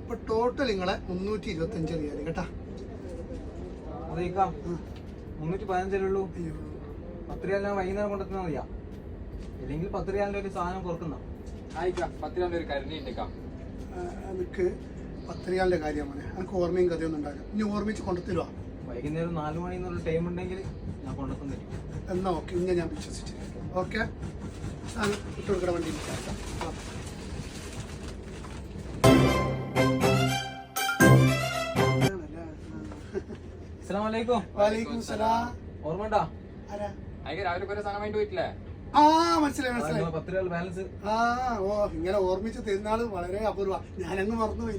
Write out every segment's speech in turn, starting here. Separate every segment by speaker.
Speaker 1: അപ്പൊ ടോട്ടൽ നിങ്ങളെ 325 റിയാൽ കേട്ടാ.
Speaker 2: 315 ഉള്ളൂ. 10 റിയാലിന് വൈകുന്നേരം കൊണ്ടെത്തുന്ന മതിയാ, അല്ലെങ്കിൽ 10 റിയാലിന്റെ ഒരു സാധനം കുറക്കുന്ന
Speaker 3: 10 റിയാലിന്റെ ഒരു കരുണി ഉണ്ട്.
Speaker 1: എനിക്ക് 10 റിയാലിന്റെ കാര്യമാണ്. എനിക്ക് ഓർമ്മയും കഥയൊന്നും ഉണ്ടാവില്ല. ഇനി ഓർമ്മിച്ച് കൊണ്ടുത്തരുവാ.
Speaker 2: വൈകുന്നേരം 4 മണി എന്നുള്ള ടൈം ഉണ്ടെങ്കിൽ ഞാൻ കൊണ്ടെത്തും തരും.
Speaker 1: എന്നാ ഓക്കെ, ഇങ്ങനെ ഞാൻ വിശ്വസിച്ചു. ഓക്കെ, ഇട്ടുകൊടുക്കണ വണ്ടി.
Speaker 2: ഓർമ്മണ്ടാ
Speaker 3: രാവിലെ കുറെ സാധനം വേണ്ടി പോയിട്ടില്ലേ?
Speaker 1: മനസ്സിലായി.
Speaker 2: 10 റിയാൽ ബാലൻസ്.
Speaker 1: ഇങ്ങനെ ഓർമ്മിച്ച് തരുന്നാള് വളരെ അപൂർവ. ഞാനങ്ങ് മറന്നുപോയി.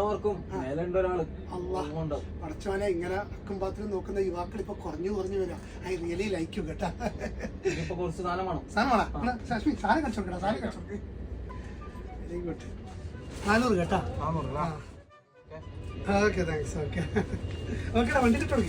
Speaker 1: പടച്ചോനെ, ഇങ്ങനെ അക്കും പാത്രം നോക്കുന്ന യുവാക്കൾ ഇപ്പൊ കുറഞ്ഞു വരാം. ഐ റിയലി ലൈക്ക് യു കേട്ടാ.
Speaker 2: കുറച്ച് സാധനമാണോ?
Speaker 1: സാധനം സാധനം കച്ചവടം. സാധനം കച്ചവടം. Very good. 400 കേട്ടാ. Okay, thanks. ഓക്കെ ഓക്കെടാ, വണ്ടി കിട്ടോ?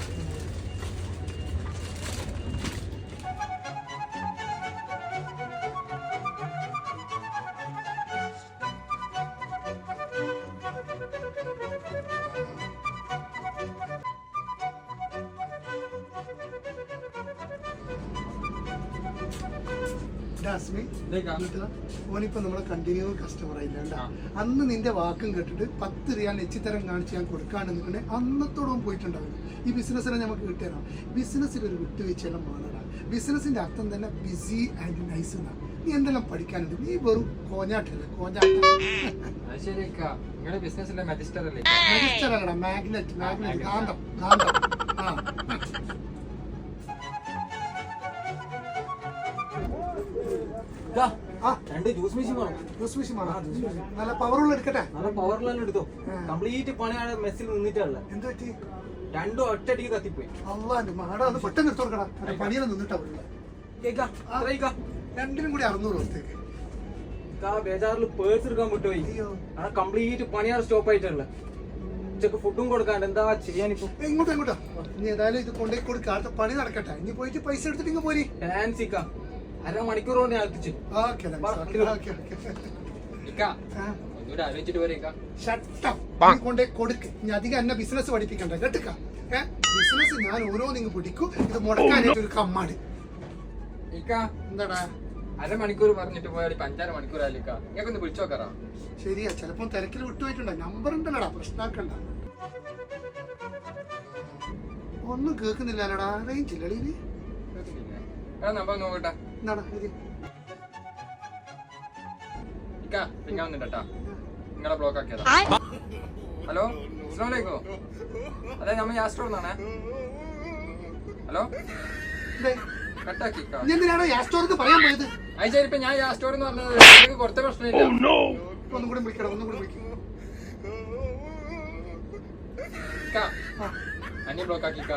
Speaker 1: ഓനിപ്പോ നമ്മളെ കണ്ടിന്യൂ കസ്റ്റമർ ആയില്ല. അന്ന് നിന്റെ വാക്കും കേട്ടിട്ട് 10 റിയാൽ എച്ചിത്തരം കാണിച്ച് ഞാൻ കൊടുക്കാണെന്നുണ്ടെ അന്നത്തോളം പോയിട്ടുണ്ടാവില്ല. ഈ ബിസിനസ്സിനെ നമുക്ക് കിട്ടിയതാണ്. ബിസിനസ്സിൽ ഒരു വിട്ടുവീഴ്ചയെല്ലാം വേണടാ. ബിസിനസിന്റെ അർത്ഥം തന്നെ ബിസി ആൻഡ് നൈസ് എന്നാണ്. നീ എന്തെല്ലാം പഠിക്കാനുണ്ട്? നീ വെറും കോഞ്ഞാട്ടല്ലേ, കോഞ്ഞാട്ടം. മജിസ്റ്റർ അല്ലടാ, മാഗ്നറ്റ്. കാന്തം.
Speaker 2: രണ്ട് ജ്യൂസ് മെഷീൻ വേണം.
Speaker 1: നല്ല പവറുള്ള എടുക്കട്ടെ.
Speaker 2: നല്ല പവറുള്ള എടുത്തോ. കംപ്ലീറ്റ് പണിയാണ് മെസ്സിൽ നിന്നിട്ടുള്ള.
Speaker 1: എന്ത് പറ്റി?
Speaker 2: രണ്ടും ഒറ്റടിക്ക് കത്തിപ്പോയി.
Speaker 1: മാടാ പെട്ടെന്ന് എടുത്തു കൊടുക്കടാ. പണിയെല്ലാം നിന്നിട്ടാ രണ്ടിനും കൂടി 600 ദിവസത്തേക്ക്.
Speaker 2: ബേജാറിൽ പേഴ്സ് എടുക്കാൻ വിട്ടുപോയി. കംപ്ലീറ്റ് പണിയാണ് സ്റ്റോപ്പ് ആയിട്ടുള്ള. ഉച്ചക്ക് ഫുഡും കൊടുക്കാണ്ട് എന്താ ചെയ്യാനിപ്പോ?
Speaker 1: എങ്ങോട്ടാ? ഇനി ഏതായാലും ഇത് കൊണ്ടേ കൊടുക്കാത്ത പണി നടക്കട്ടെ. ഇനി പോയിട്ട് പൈസ എടുത്തിട്ട് ഇങ്ങ് പോരി.
Speaker 2: ഫാൻസിക്ക 1/2 മണിക്കൂർ കൊണ്ട് ഞാൻ എത്തിച്ചു.
Speaker 1: കൊണ്ടേ കൊടുക്ക്. ഇനി അധികം എന്നെ ബിസിനസ് പഠിപ്പിക്കണ്ട കേട്ടുക. ബിസിനസ് ഞാൻ ഓരോന്നിങ്ങ് പിടിക്കും. ഇത് മുടക്കാനായിട്ട് ഒരു കമ്മാട്.
Speaker 3: എന്താടാ 1/2 മണിക്കൂർ പറഞ്ഞിട്ട് പോയാൽ 5-6 മണിക്കൂർ ആയില്ലേക്കാ. ഞങ്ങൾക്കൊന്ന് വിളിച്ചു നോക്കാറാ.
Speaker 1: ശരിയാ, ചിലപ്പോ തിരക്കിൽ വിട്ടുപോയിട്ടുണ്ടോ. നമ്പർ ഉണ്ടല്ലോടാ, പ്രശ്നമാക്കണ്ട. ഒന്നും കേൾക്കുന്നില്ലല്ലോടാ, റേഞ്ച് ഇല്ലടി.
Speaker 3: നമ്പർ നോക്കട്ടെ.
Speaker 1: എന്താടാ
Speaker 3: നിങ്ങളെ ബ്ലോക്ക് ആക്കിയതാ. ഹലോ, അസ്സലാമു അലൈക്കും. അതെ, നമ്മ യാസ്റ്റോർന്നാണേ. ഹലോ, കട്ടാക്കി.
Speaker 1: എന്തിനാണോ യാസ്റ്റോർ പറയാൻ പോയത്?
Speaker 3: അയച്ചാരിപ്പോ ഞാൻ യാസ്റ്റോർ എന്ന് പറഞ്ഞത് കുറച്ച് പ്രശ്നമില്ല.
Speaker 1: ഒന്നും കൂടി വിളിക്കണം.
Speaker 3: അന്യ ബ്ലോക്ക് ആക്കി.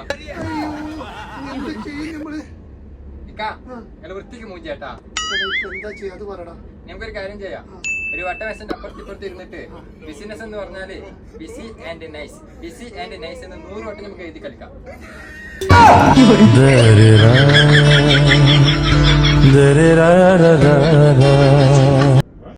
Speaker 3: വൃത്തിക്ക് മൂഞ്ചേട്ടാ.
Speaker 1: എന്താ ചെയ്യാ അത് പറടാ.
Speaker 3: നമുക്കൊരു കാര്യം ചെയ്യാം. ഒരു വട്ടമേശന്റെ അപ്പുറത്തിപ്പുറത്ത് ഇരുന്നിട്ട് ബിസിനസ് എന്ന് പറഞ്ഞാല് ബിസി ആൻഡ് നൈസ് എന്ന് 100 വട്ടം നമുക്ക് എഴുതി കളിക്കാം.